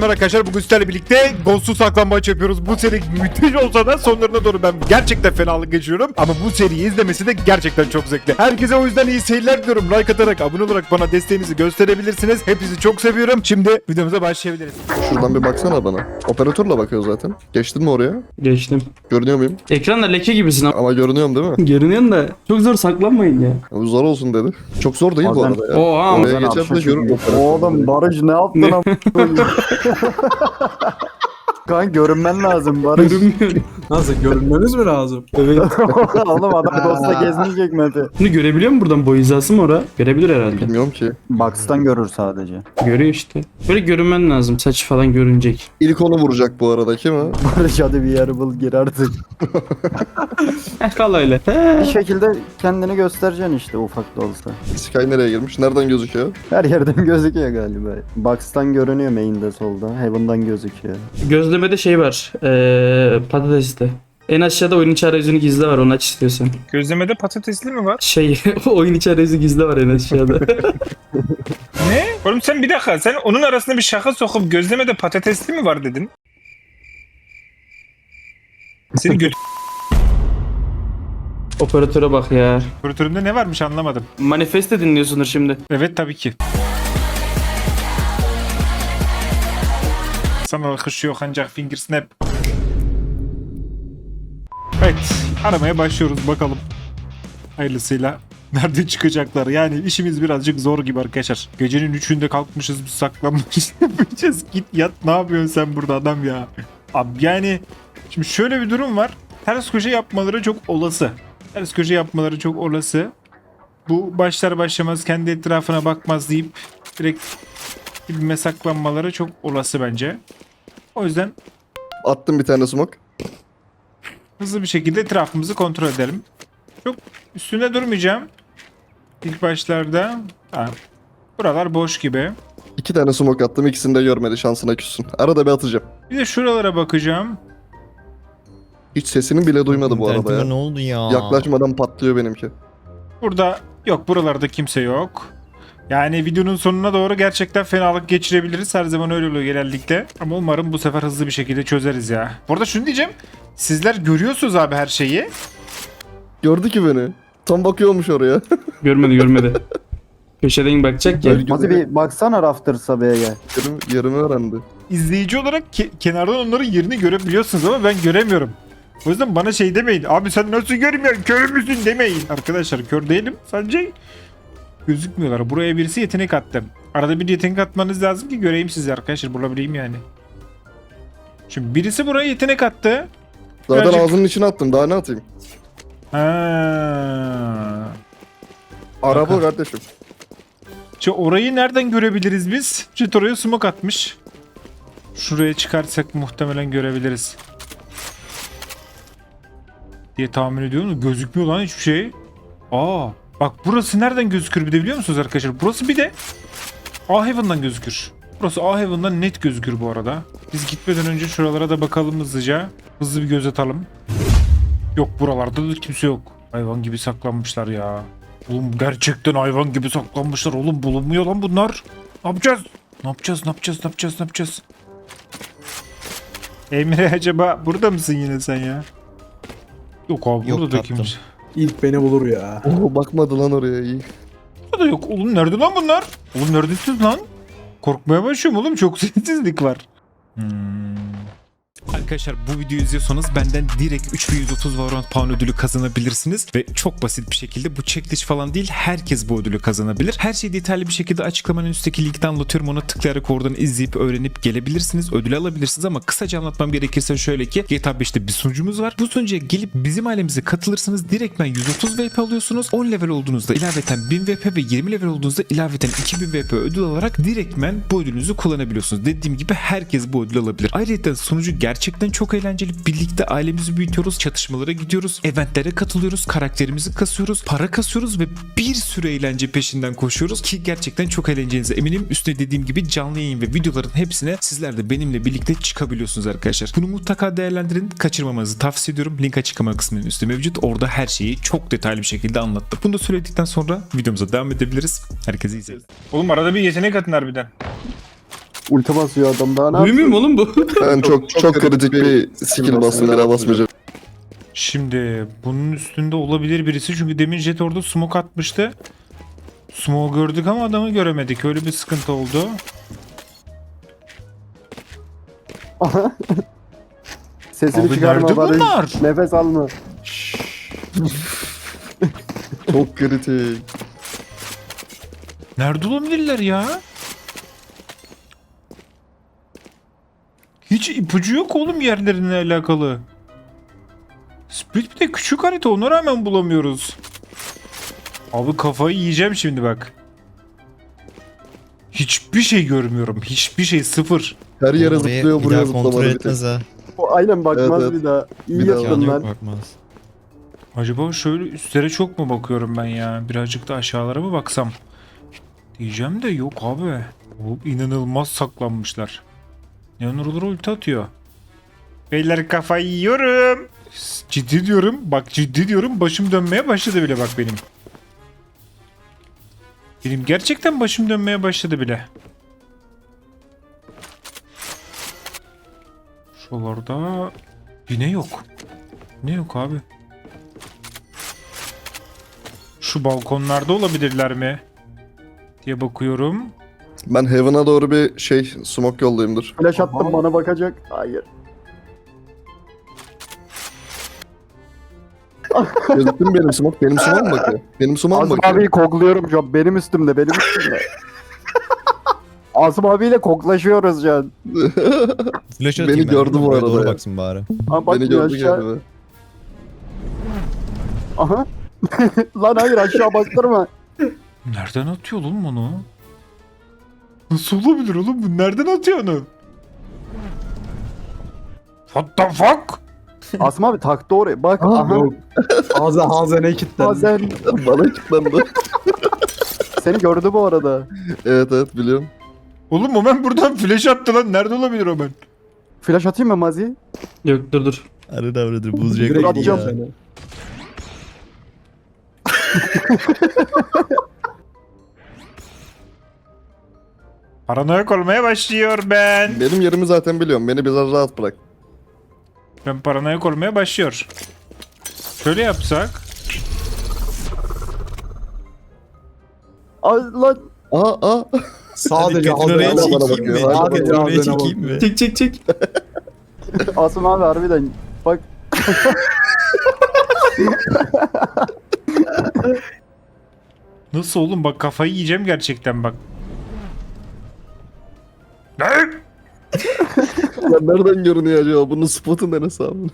merhaba arkadaşlar. Bugün sizlerle birlikte Ghost'u saklambaç yapıyoruz. Bu seri müthiş olsa da sonlarına doğru ben gerçekten fenalık geçiyorum. Ama bu seriyi izlemesi de gerçekten çok zevkli. Herkese o yüzden iyi seyirler diliyorum. Like atarak, abone olarak bana desteğinizi gösterebilirsiniz. Hepinizi çok seviyorum. Şimdi videomuza başlayabiliriz. Şuradan bir baksana bana. Operatörle bakıyor zaten. Geçtin mi oraya? Geçtim. Görünüyor muyum? Ekranda leke gibisin ama. Ama görünüyorum değil mi? Görünüyorsun da çok zor saklanmayın ya. Bu zor olsun dedi. Çok zor değil bu Bazen- arada ya. Oha, Oraya bazen geçer de apşa görür çıkıyor. operatör. Oğlum Barış ne yaptın am? Kan görünmen lazım Barış. Görünmüyor. Nasıl görünmeniz mi lazım? Evet. Oğlum adam Ghost'ta gezmeyecek Mete. Bunu görebiliyor mu buradan, boy hizası mı ora? Görebilir herhalde. Bilmiyorum ki. Box'tan görür sadece. Görüyor işte. Böyle görünmen lazım. Saç falan görünecek. İlk onu vuracak bu arada kim o? Barış hadi bir yer bul gir artık. Kal öyle. Bir şekilde kendini göstereceksin işte ufak da olsa. Sky nereye girmiş? Nereden gözüküyor? Her yerden gözüküyor galiba. Box'tan görünüyor main'de solda. Heaven'dan gözüküyor. Gözlemede şey var. Patateste. En aşağıda oyun içi arayüzünü gizli var, onu aç istiyorsan. Gözlemede patatesli mi var? Şey, oyun içi arayüzü gizli var en aşağıda. Ne? Oğlum sen bir dakika, sen onun arasına bir şaka sokup gözlemede patatesli mi var dedin? Seni göt... Operatöre bak ya. Operatörümde ne varmış anlamadım. Manifeste dinliyorsundur şimdi. Evet tabii ki. Sana alkış yok ancak finger snap. Evet, aramaya başlıyoruz bakalım. Hayırlısıyla nerede çıkacaklar? Yani işimiz birazcık zor gibi arkadaşlar. Gecenin 3'ünde kalkmışız, biz saklanmış yapacağız. Git yat, ne yapıyorsun sen burada adam ya? Abi yani şimdi şöyle bir durum var. Ters köşe yapmaları çok olası. Ters köşe yapmaları çok olası. Bu başlar başlamaz kendi etrafına bakmaz deyip direkt dibime saklanmaları çok olası bence. O yüzden Attım bir tane smoke. hızlı bir şekilde etrafımızı kontrol edelim. Çok üstünde durmayacağım. İlk başlarda. Ha, buralar boş gibi. 2 tane smoke attım. İkisini de görmedi. Şansına küssün. Arada bir atacağım. Bir de şuralara bakacağım. Hiç sesini bile duymadı bu arada İnternetime ya. ne oldu ya? Yaklaşmadan patlıyor benimki. Burada yok, buralarda kimse yok. Yani videonun sonuna doğru gerçekten fenalık geçirebiliriz. Her zaman öyle oluyor genellikle. Ama umarım bu sefer hızlı bir şekilde çözeriz ya. Bu arada şunu diyeceğim. Sizler görüyorsunuz abi her şeyi. Gördü ki beni. Tam bakıyormuş oraya. Görmedi. Köşeden bakacak ya. Böyle Hadi bir baksana Rafters'a B'ye gel. yerimi öğrendi. İzleyici olarak kenardan onların yerini görebiliyorsunuz ama ben göremiyorum. O yüzden bana şey demeyin. Abi sen nasıl görmüyorsun? Kör müsün demeyin. Arkadaşlar kör değilim. Sadece gözükmüyorlar. Buraya birisi yetenek attı. Arada bir yetenek atmanız lazım ki göreyim sizi arkadaşlar. Bulabileyim yani. Şimdi birisi buraya yetenek attı. Zaten Birazcık- ağzının içine attım. Daha ne atayım? Ha. Araba kardeşim. Şimdi orayı nereden görebiliriz biz? Jet oraya smoke atmış. Şuraya çıkarsak muhtemelen görebiliriz. Diye tahmin ediyorum. Gözükmüyor lan hiçbir şey. Aa, bak burası nereden gözükür bir de biliyor musunuz arkadaşlar? Burası bir de A-Heaven'dan gözükür. Burası A-Heaven'dan net gözükür bu arada. Biz gitmeden önce şuralara da bakalım hızlıca. Hızlı bir göz atalım. Yok, buralarda da kimse yok. Hayvan gibi saklanmışlar ya. Oğlum gerçekten hayvan gibi saklanmışlar. Oğlum bulunmuyor lan bunlar. Ne yapacağız? Ne yapacağız? Emre acaba burada mısın yine sen ya? Yok abi, Yok, burada da tatlım. kimse. İlk beni bulur ya. Oo, bakmadı lan oraya iyi. Burada da yok. Oğlum nerede lan bunlar? Oğlum neredesiniz lan? Korkmaya başlıyorum oğlum. Çok sessizlik var. Arkadaşlar bu videoyu izliyorsanız benden direkt 3130 Valorant Pound ödülü kazanabilirsiniz ve çok basit bir şekilde, bu checklist falan değil, herkes bu ödülü kazanabilir. Her şeyi detaylı bir şekilde açıklamanın üstteki linkten anlatıyorum, ona tıklayarak oradan izleyip öğrenip gelebilirsiniz, ödülü alabilirsiniz. Ama kısaca anlatmam gerekirse şöyle ki, GTA 5'te bir sunucumuz var. Bu sunucuya gelip bizim ailemize katılırsanız direktmen 130 VP alıyorsunuz. 10 level olduğunuzda ilaveten 1000 VP ve 20 level olduğunuzda ilaveten 2000 VP ödül alarak direktmen bu ödülünüzü kullanabiliyorsunuz. Dediğim gibi herkes bu ödülü alabilir. Ayrıca sunucu gerçekten çok eğlenceli. Birlikte ailemizi büyütüyoruz, çatışmalara gidiyoruz, eventlere katılıyoruz, karakterimizi kasıyoruz, para kasıyoruz ve bir sürü eğlence peşinden koşuyoruz ki gerçekten çok eğleneceğinize eminim. Üstüne dediğim gibi canlı yayın ve videoların hepsine sizler de benimle birlikte çıkabiliyorsunuz arkadaşlar. Bunu mutlaka değerlendirin. Kaçırmamanızı tavsiye ediyorum. Link açıklama kısmının üstü mevcut. Orada her şeyi çok detaylı bir şekilde anlattım. Bunu da söyledikten sonra videomuza devam edebiliriz. Herkese iyi seyirler. Oğlum arada bir yetenek atın harbiden. Ulti basıyor adam daha ne Duymuyor mu yapsın? oğlum bu? Ben çok kritik bir skill bastım, bir daha basmayacağım. Şimdi bunun üstünde olabilir birisi çünkü demin Jet orada smoke atmıştı. Smoke gördük ama adamı göremedik. Öyle bir sıkıntı oldu. Sesini Abi çıkarma nerede Barış. bunlar? Nefes alma. Çok kritik. Nerede olabilirler ya? Hiç ipucu yok oğlum yerlerine alakalı. Split bir de küçük harita, ona rağmen bulamıyoruz. Abi kafayı yiyeceğim şimdi bak. Hiçbir şey görmüyorum. Hiçbir şey, sıfır. Her yere Oraya zıplıyor, bir buraya daha kontrol zıplamadı bir tek. etmez ha. O aynen bakmaz Evet, bir daha. İyi Bir daha. yaptın Yani yok lan. bakmaz. Acaba şöyle üstlere çok mu bakıyorum ben ya? Birazcık da aşağılara mı baksam? Diyeceğim de yok abi. O inanılmaz saklanmışlar. Yanurlar ulti atıyor. Beyler kafayı yiyorum. Ciddi diyorum. Bak ciddi diyorum. Başım dönmeye başladı bile bak benim. Benim gerçekten başım dönmeye başladı bile. Şuralarda yine yok. Ne yok abi? Şu balkonlarda olabilirler mi? Diye bakıyorum. Ben Heaven'a doğru bir smoke yollayayımdır. Flash attım bana bakacak. Hayır. Gözüktü mü benim smoke? Benim smoke mu bakıyor? Benim smoke mu Asım bakıyor? abiyi kokluyorum şu an. Benim üstümde, benim üstümde. Asım abiyle koklaşıyoruz şu an. Flash Beni atayım ben. gördü bu Buraya arada doğru ya. baksın bari. Ama Beni bakmıyor gördü aşağı. galiba. Aha. Lan hayır, aşağı bastırma. Nereden atıyor oğlum onu? Nasıl olabilir oğlum bu? Nereden atıyor onu? What the fuck? Asım abi taktı oraya. Bak aha. Yok. Ağza ne kilitlendi. Bazen Bana kilitlendi. seni gördü bu arada. Evet biliyorum. Oğlum Omen buradan flash attı lan. Nerede olabilir Omen? Flash atayım mı Mazi? Yok dur. Arada avradır buz Direkt reklamı atacağım ya. seni. Paranoyak olmaya başlıyor ben. Benim yerimi zaten biliyorum. Beni biraz rahat bırak. Ben paranoyak olmaya başlıyor. Şöyle yapsak. Ay lan. Aa. Sadece Hadi götür oraya ağzına bana çekeyim mi? bakıyor. Hadi Götür oraya ağzına çekeyim mi? Çek çek çek. Asım abi harbiden. Bak. Nasıl oğlum bak kafayı yiyeceğim gerçekten bak. Ne? Ya nereden görünüyor acaba? Bunun spotu neresi abi?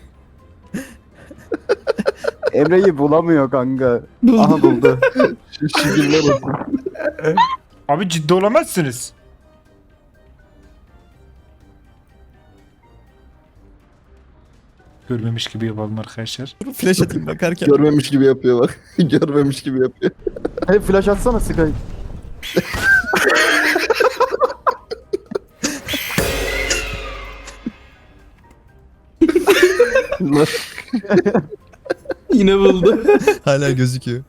Emre'yi bulamıyor kanka. Aha buldu. Şu şigiller olsun. Abi ciddi olamazsınız. Görmemiş gibi yapalım arkadaşlar. Flash atayım bakarken. Görmemiş gibi yapıyor bak. Görmemiş gibi yapıyor. Hey flash atsana Sky. Lan, Yine buldu. Hala gözüküyor.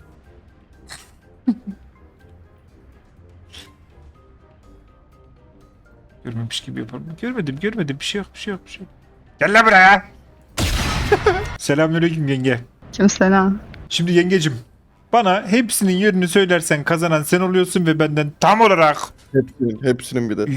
Görmemiş gibi yapalım. Görmedim. Bir şey yok. Gel lan buraya. Selamünaleyküm yenge. Kimselam. Şimdi yengecim, bana hepsinin yerini söylersen kazanan sen oluyorsun ve benden tam olarak hepsinin bir de.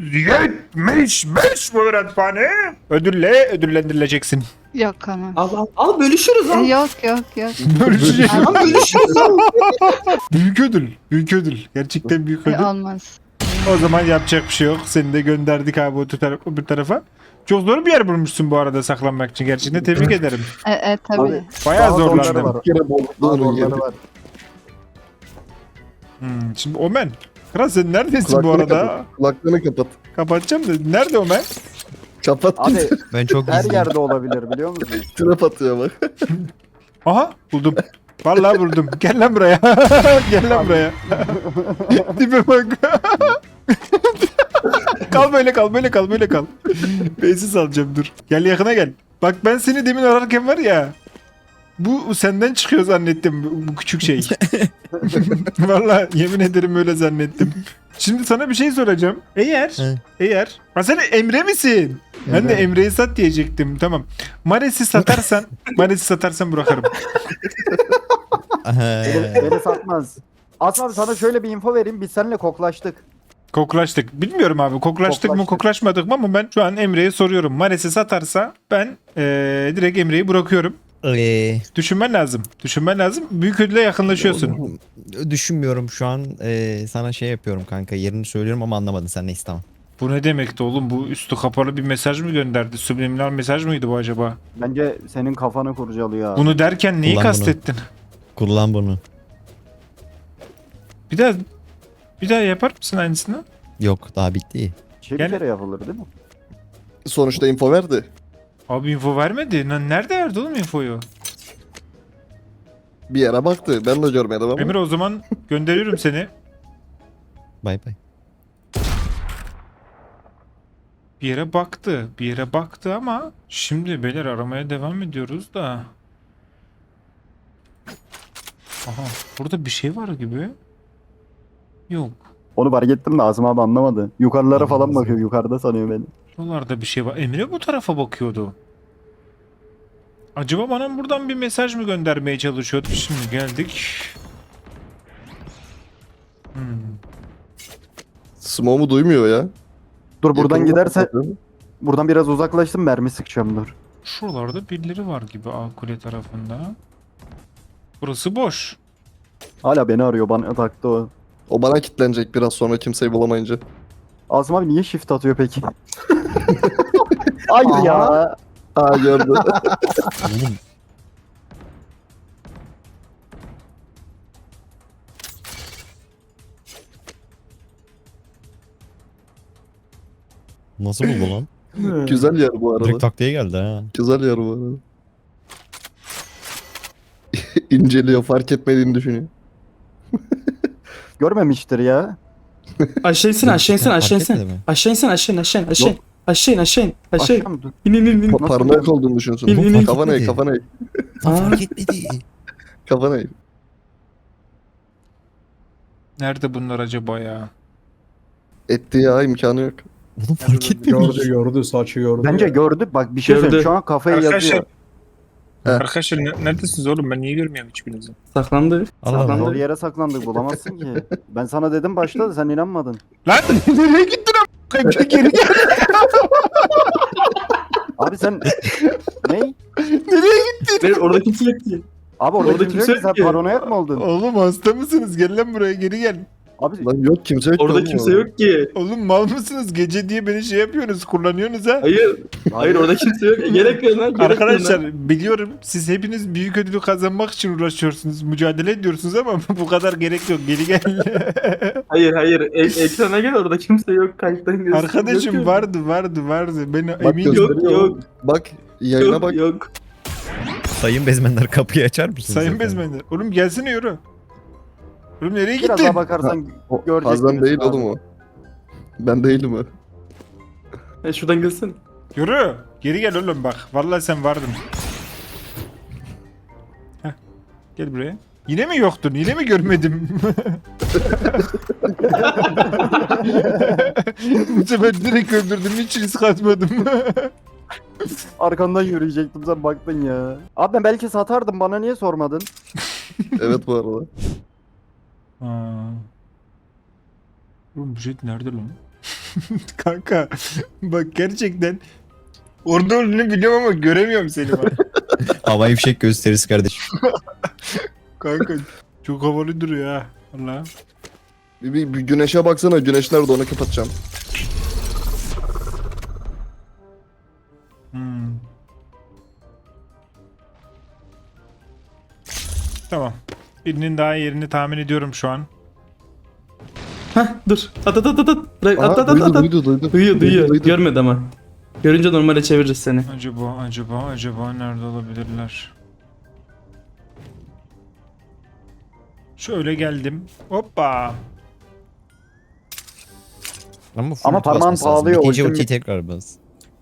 175 öğretmeni ödüllendirileceksin. Yok ama. Al bölüşürüz al. Yok. Bölüşecek. Al bölüşürüz al. Büyük ödül. Gerçekten büyük ödül. Olmaz. O zaman yapacak bir şey yok. Seni de gönderdik abi bu tarafa. Çok zor bir yer bulmuşsun bu arada saklanmak için. Gerçekten tebrik ederim. Tabii. Abi, Bayağı daha zorları zorlandım. var. Bir kere bozdu Daha onun zorları yeri. var. Şimdi Omen. Kral sen neredesin bu Kulaklığını arada? kapat. Kulaklığını kapat. Kapatacağım da. Nerede Omen? Kapat Abi git. Ben çok her gizliyim. yerde olabilir biliyor musun? Trap atıyor bak. Aha buldum. Vallahi buldum. Gel lan buraya. Gel lan buraya. Tipe bak. Kal böyle kal. Beysiz alacağım dur. Gel yakına gel. Bak ben seni demin ararken var ya. Bu senden çıkıyor zannettim bu küçük şey. Vallahi yemin ederim öyle zannettim. Şimdi sana bir şey soracağım. He. Eğer sen Emre misin? Ben de Evet. Emre'yi sat diyecektim. Tamam. Mares'i satarsan bırakırım. Beni satmaz. Aslan abi sana şöyle bir info vereyim. Biz seninle koklaştık. Koklaştık. Bilmiyorum abi. Koklaştık mı Koklaştık. koklaşmadık mı ama ben şu an Emre'ye soruyorum. Mares'i satarsa ben direkt Emre'yi bırakıyorum. Düşünmen lazım. Düşünmen lazım. Büyük ödüle yakınlaşıyorsun. Düşünmüyorum şu an. Sana şey yapıyorum kanka. Yerini söylüyorum ama anlamadın sen, neyse tamam. Bu ne demekti oğlum? Bu üstü kapalı bir mesaj mı gönderdi? Subliminal mesaj mıydı bu acaba? Bence senin kafanı kurcalıyor abi. Bunu derken neyi Kullan bunu. kastettin? Kullan bunu. Bir daha yapar mısın aynısını? Yok, daha bitti. Şey Gel. bir kere yapılır değil mi? Sonuçta info verdi. Abi info vermedi. Nerede verdi oğlum infoyu? Bir yere baktı. Ben de görmedim ama. Emre o zaman gönderiyorum seni. Bay bay. Bir yere baktı. Bir yere baktı ama şimdi beyler aramaya devam ediyoruz da. Aha burada bir şey var gibi. Yok. Onu fark ettim de Asım abi anlamadı. Yukarılara falan Anladım. bakıyor. Yukarıda sanıyor beni. Buralarda bir şey var. Emre bu tarafa bakıyordu. Acaba bana buradan bir mesaj mı göndermeye çalışıyordu? Şimdi geldik. Smoke'u duymuyor ya. Dur buradan Yakınına giderse bakıyorum. buradan biraz uzaklaştım mermi sıkacağım dur. Şuralarda birileri var gibi A kule tarafında. Burası boş. Hala beni arıyor bana taktı o. O bana kilitlenecek biraz sonra kimseyi bulamayınca. Asım abi niye shift atıyor peki? Hayır ya. Aa gördü. Oğlum. Nasıl buldu lan? Güzel yer bu arada. Direkt taktiğe geldi ha. Güzel yer bu arada. İnceliyor, fark etmediğini düşünüyor. Görmemiştir ya. Aşağı insin aşağı insin Fark aşağı insin. etmedi mi? Aşağı insin aşağı in aşağı in aşağı in. Yok. Aşağı in aşağı in aşağı in. Aşağı mı? Dur. İn in in in. Nasıl Paranoyak yani? olduğunu düşünsün. İn, in, in. Kafana eğ, Gitmedi. kafana eğ. Aa. Fark etmedi. Kafana eğ. Nerede bunlar acaba ya? Etti ya, imkanı yok. Oğlum fark etmemiş. Gördü saçı gördü. Bence gördü. Bak bir şey Gördü. söyleyeyim. Şu an kafayı Arkadaşlar, yazıyor. arkadaşlar neredesiniz oğlum? Ben niye görmüyorum hiçbirinizi? Saklandı. Allah Allah. Zor Saklandı. yere saklandık bulamazsın ki. Ben sana dedim başta da sen inanmadın. Lan nereye gittin am? Geri gel. Abi sen ne? Hayır, orada kimse yok ki. Abi orada, Orada kimse kimse yok ki. Sen yok ki. paranoyak mı oldun? Oğlum hasta mısınız? Gel lan buraya geri gel. Abi Lan yok, kimse yok. Orada oğlum kimse yok ki. Oğlum mal mısınız? Gece diye beni şey yapıyorsunuz, kullanıyorsunuz ha. Hayır. Hayır orada kimse yok. Gerek yok lan. Gerek yok lan. Arkadaşlar biliyorum siz hepiniz büyük ödülü kazanmak için uğraşıyorsunuz, mücadele ediyorsunuz ama bu kadar gerek yok. Geri gel. Hayır. Ekrana gel orada kimse yok. Kayıttan gözüküyor. Arkadaşım Yok, vardı. Ben Bak eminim. gösteriyor. Yok. Bak yayına Yok bak. yok. Sayın bezmenler, kapıyı açar mısınız? Sayın efendim? Bezmenler. Oğlum gelsene yürü. Oğlum nereye biraz gittin? daha bakarsan O, görecek Hazan gibisin değil abi. oğlum o. Ben değilim o. Şuradan gelsene. Yürü. Geri gel oğlum bak. Vallahi sen vardın. Heh. Gel buraya. Yine mi yoktun? Yine mi görmedim? Bu sefer direkt öldürdüm. Hiç risk atmadım. Arkandan yürüyecektim sen baktın ya. Abi ben belki satardım bana niye sormadın? Evet bu arada. Aa. Oğlum bu jet nerede lan? Kanka bak gerçekten orada olduğunu biliyorum ama göremiyorum seni bak. Havai fişek gösterisi kardeşim. Kanka çok havalı duruyor ha. Allah. Bir güneşe baksana, güneş nerede, onu kapatacağım. Hmm. Tamam. Birinin daha yerini tahmin ediyorum şu an. Hah dur. At. Bırak, Aha, at. duydu. Duyuyor. Görmedi ama. Görünce normale çeviririz seni. Acaba nerede olabilirler? Şöyle geldim. Hoppa. Ama, full Ama parmağın basması lazım. pahalıyor, Bitince ultim- ultiyi tekrar bas.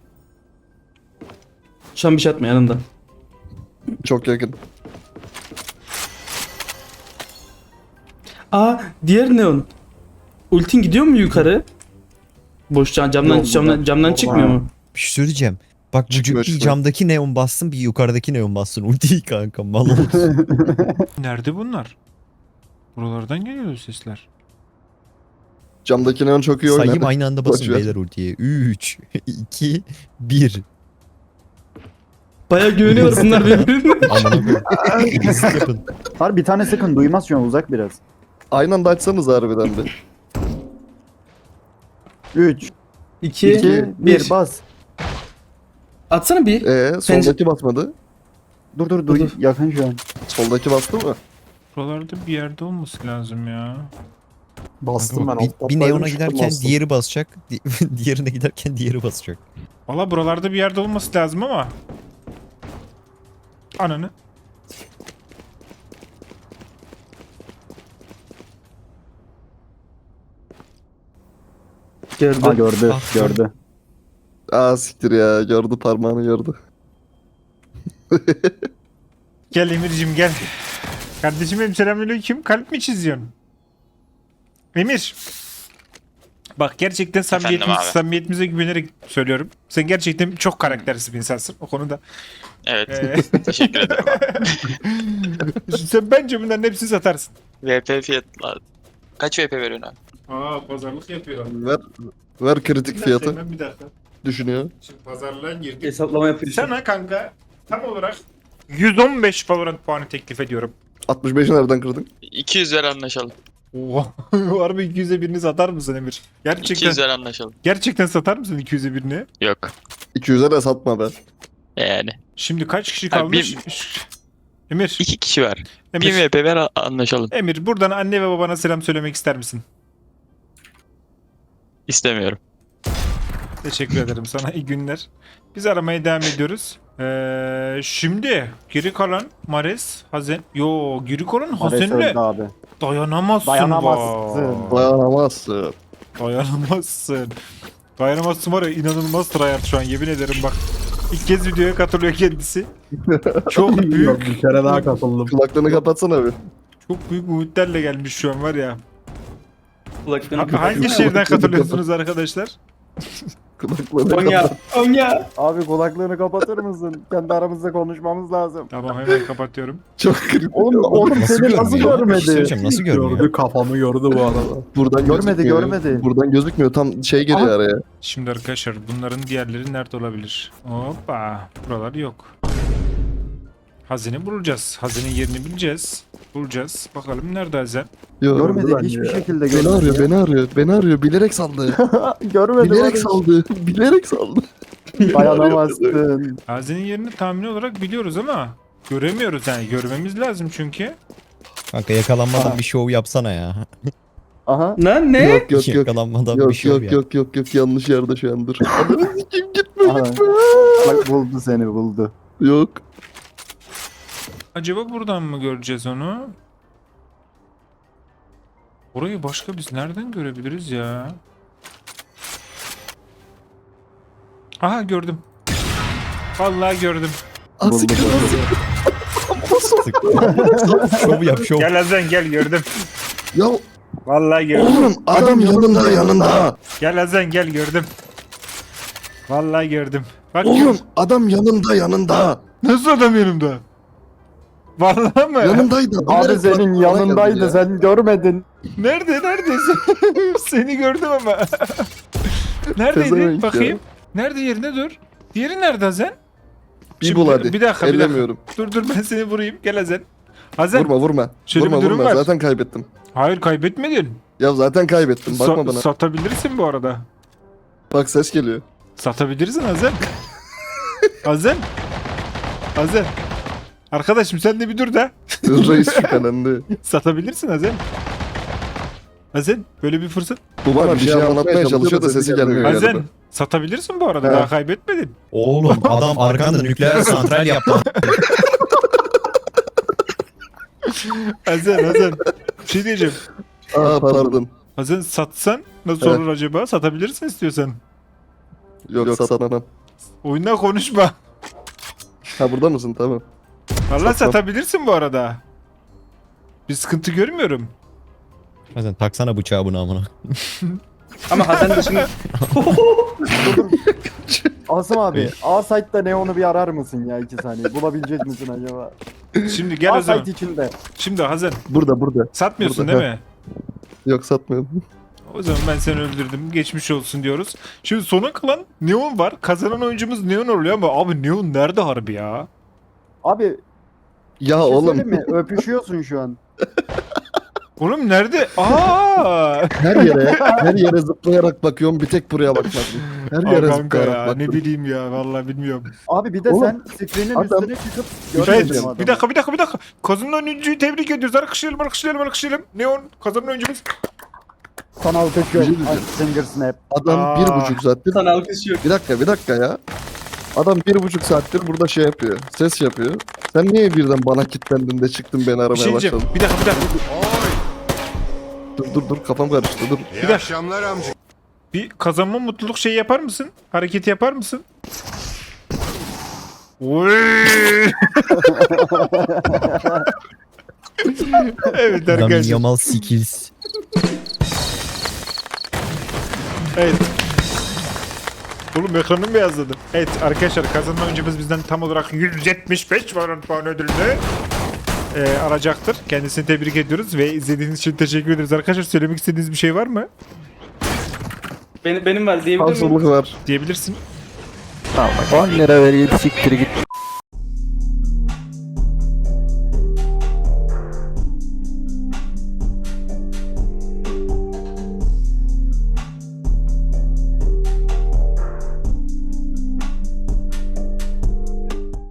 Şu an bir şey atma yanında. Çok yakın. Aa diğer neon. Ultin gidiyor mu yukarı? Boş camdan Yok, camdan çıkmıyor mu? Bir şey söyleyeceğim. Bak bu Çıkmıyor, bir çıkmıyor. camdaki neon bassın bir yukarıdaki neon bassın. Ultiyi kanka mal olsun. Nerede bunlar? Buralardan geliyor sesler. Camdaki neon çok iyi oynar. Sayayım aynı anda basın Boş ver. beyler ultiye. 3, 2, 1. Bayağı güveniyorlar bunlar birbirine. Amına koyayım. Hızlı yapın. Har bir tane sıkın duymaz şu an uzak biraz. Aynı anda açsanız harbiden bir. 3, 2, 2, 1 1. bas. Atsana bir. Soldaki basmadı. Dur Dur. yakın şu an. Soldaki bastı mı? Buralarda bir yerde olması lazım ya. Bastım ben. Bir neona giderken diğeri basacak. Diğerine giderken diğeri basacak. Valla buralarda bir yerde olması lazım ama. Ananı. Gördü. Ha gördü Ah, gördü. Aa siktir ya. Gördü parmağını gördü. Gel Emir'cim gel. Kardeşim benim selamünaleyküm. Kalp mi çiziyorsun? Emir. Bak gerçekten samimiyetimize güvenerek söylüyorum. Sen gerçekten çok karaktersiz bir insansın o konuda. Evet. Teşekkür ederim abi. Sen bence bunların hepsini satarsın. VP fiyatlar. Kaç VP veriyorsun abi? Aa pazarlık yapıyor. Ver kritik fiyatı. Bir dakika. Düşünüyor. Şimdi pazarlığa girdik. Hesaplama yapıyor. Sana kanka tam olarak 115 Valorant puanı teklif ediyorum. 65'i nereden kırdın? 200 ver anlaşalım. Oha. Harbi 200'e birini satar mısın Emir? 200 ver anlaşalım. Gerçekten satar mısın 200'e birini? Yok. 200'e de satma be. Yani. Şimdi kaç kişi Abi kalmış? Emir. 2 kişi ver. Emir. 1000 VP ver anlaşalım. Emir buradan anne ve babana selam söylemek ister misin? İstemiyorum. Teşekkür ederim sana. İyi günler. Biz aramaya devam ediyoruz. Şimdi geri kalan Mares, Hazen. Yo geri kalan Mares Hazen'le öldü abi. dayanamazsın. Dayanamazsın. Dayanamazsın. Dayanamazsın. Dayanamazsın var ya inanılmaz tryhard şu an yemin ederim bak. İlk kez videoya katılıyor kendisi. Çok Yok, büyük. bir kere daha katıldım. Kulaklarını kapatsana bir. Çok büyük umutlarla gelmiş şu an var ya. Kulaklarını Hangi şehirden katılıyorsunuz arkadaşlar? Kulaklarını Konya. Konya. Abi kulaklarını kapatır mısın? Kendi aramızda konuşmamız lazım. Tamam hemen kapatıyorum. Çok kritik. Oğlum Nasıl seni nasıl görmüyor? Bir şey görmedi? söyleyeceğim, nasıl görmüyor? Gördü kafamı gördü bu arada. Buradan Görmedi, gözükmüyor. görmedi. Buradan gözükmüyor. Tam şey geliyor Aha. araya. Şimdi arkadaşlar bunların diğerleri nerede olabilir? Hoppa. Buralar yok. Hazine bulacağız. Hazinenin yerini bileceğiz. Bulacağız. Bakalım nerede hazine? Yo, Görmedi bence hiçbir ya. şekilde Beni görmedi. arıyor, ya. beni arıyor, beni arıyor. Bilerek saldı. Görmedi. Bilerek Barış. saldı. Bilerek saldı. Dayanamazsın. Hazinenin yerini tahmin olarak biliyoruz ama göremiyoruz yani. Görmemiz lazım çünkü. Kanka yakalanmadan bir şov yapsana ya. Aha. Lan ne? Yok yok yok. Yakalanmadan bir Yok şov yok yap. yok yok yok yanlış yerde şu an dur. Adamı sikeyim gitme Aha. gitme. Bak buldu seni buldu. Yok. Acaba buradan mı göreceğiz onu? Orayı başka biz nereden görebiliriz ya? Aha gördüm. Vallahi gördüm. Asık Şov yap şov. Gel Hazen gel gördüm. Ya Vallahi gördüm. oğlum adam yanında yanında. Gel Hazen gel gördüm. Vallahi gördüm. Bak Oğlum adam yanında yanında. nasıl adam yanımda? Vallahi mı? Yanındaydı. Abi Bilerek senin bana geldi yanındaydı ya. sen görmedin. Nerede? Neredesin? Seni gördüm ama. Neredeydi? Pezevenk ya. Bakayım. Nerede yerine dur. Diğeri nerede Hazen? Bir bul hadi. Bir dakika. Ellemiyorum. Dur ben seni vurayım. Gel Hazen. Hazen. Vurma vurma. Şöyle Vurma bir durum vurma. var. Zaten kaybettim. Hayır kaybetmedin. Ya zaten kaybettim. Bakma bana. Satabilirsin bu arada. Bak ses geliyor. Satabilirsin Hazen. Hazen. Hazen. Arkadaşım sen de bir dur da. Reis şüphelendi. Satabilirsin Hazen. Hazen böyle bir fırsat. Bu bana bir şey anlatmaya çalışıyor da sesi gelmiyor. Hazen yarıda. satabilirsin bu arada. He. Daha kaybetmedin. Oğlum adam arkanda nükleer santral yaptı. Hazen. Bir şey diyeceğim. Aa pardon. Hazen satsan nasıl Evet. olur acaba? Satabilirsin istiyorsan. Yok satmam. Oyundan konuşma. Ha burada mısın? Tamam. Valla Satmam. satabilirsin bu arada. Bir sıkıntı görmüyorum. Zaten taksana bıçağı buna amına. Ama Hasan dışında Asım abi A site'da Neon'u bir arar mısın ya 2 saniye? Bulabilecek misin acaba? Şimdi gel o A zaman. site içinde. Şimdi Hazen Burada. satmıyorsun Burada, değil mi? Yok satmıyorum. O zaman ben seni öldürdüm. Geçmiş olsun diyoruz. Şimdi sona kalan Neon var. Kazanan oyuncumuz Neon oluyor ama abi Neon nerede harbi ya? Abi Ya bir şey oğlum söyleyeyim mi? Öpüşüyorsun şu an. Oğlum nerede? Aa! her yere zıplayarak bakıyorum. Bir tek buraya bakmadım. Her Aa, yere kanka zıplayarak ya, baktım. ne bileyim ya vallahi bilmiyorum. Abi bir de Oğlum, sen screen'in adam- üstüne çıkıp Evet, görmedin adamı. bir dakika. Kazanan oyuncuyu tebrik ediyoruz. Alkışlayalım. Neon kazanan oyuncumuz. Sana alkışlıyorum. Bir şey diyeceğim. Finger snap. Adam Aa. 1,5 saattir. sana alkış yok. Bir dakika ya. Adam 1,5 saattir burada şey yapıyor. Ses yapıyor. Sen niye birden bana kilitlendin de çıktın beni Bir aramaya şey diyeceğim. başladın? Bir dakika. Dur kafam karıştı dur. Bir akşamlar amca. Bir kazanma mutluluk şeyi yapar mısın? Hareketi yapar mısın? Oy! Evet Adam arkadaşlar. Yamal skills. Evet. Oğlum ekranım beyazladı. Evet arkadaşlar kazanan oyuncumuz bizden tam olarak 175 Valorant puan ödülünü alacaktır. Kendisini tebrik ediyoruz ve izlediğiniz için teşekkür ederiz. Arkadaşlar söylemek istediğiniz bir şey var mı? Benim var diyebilir miyim? Haksızlık var. Diyebilirsin. 10 lira vereyim siktir git.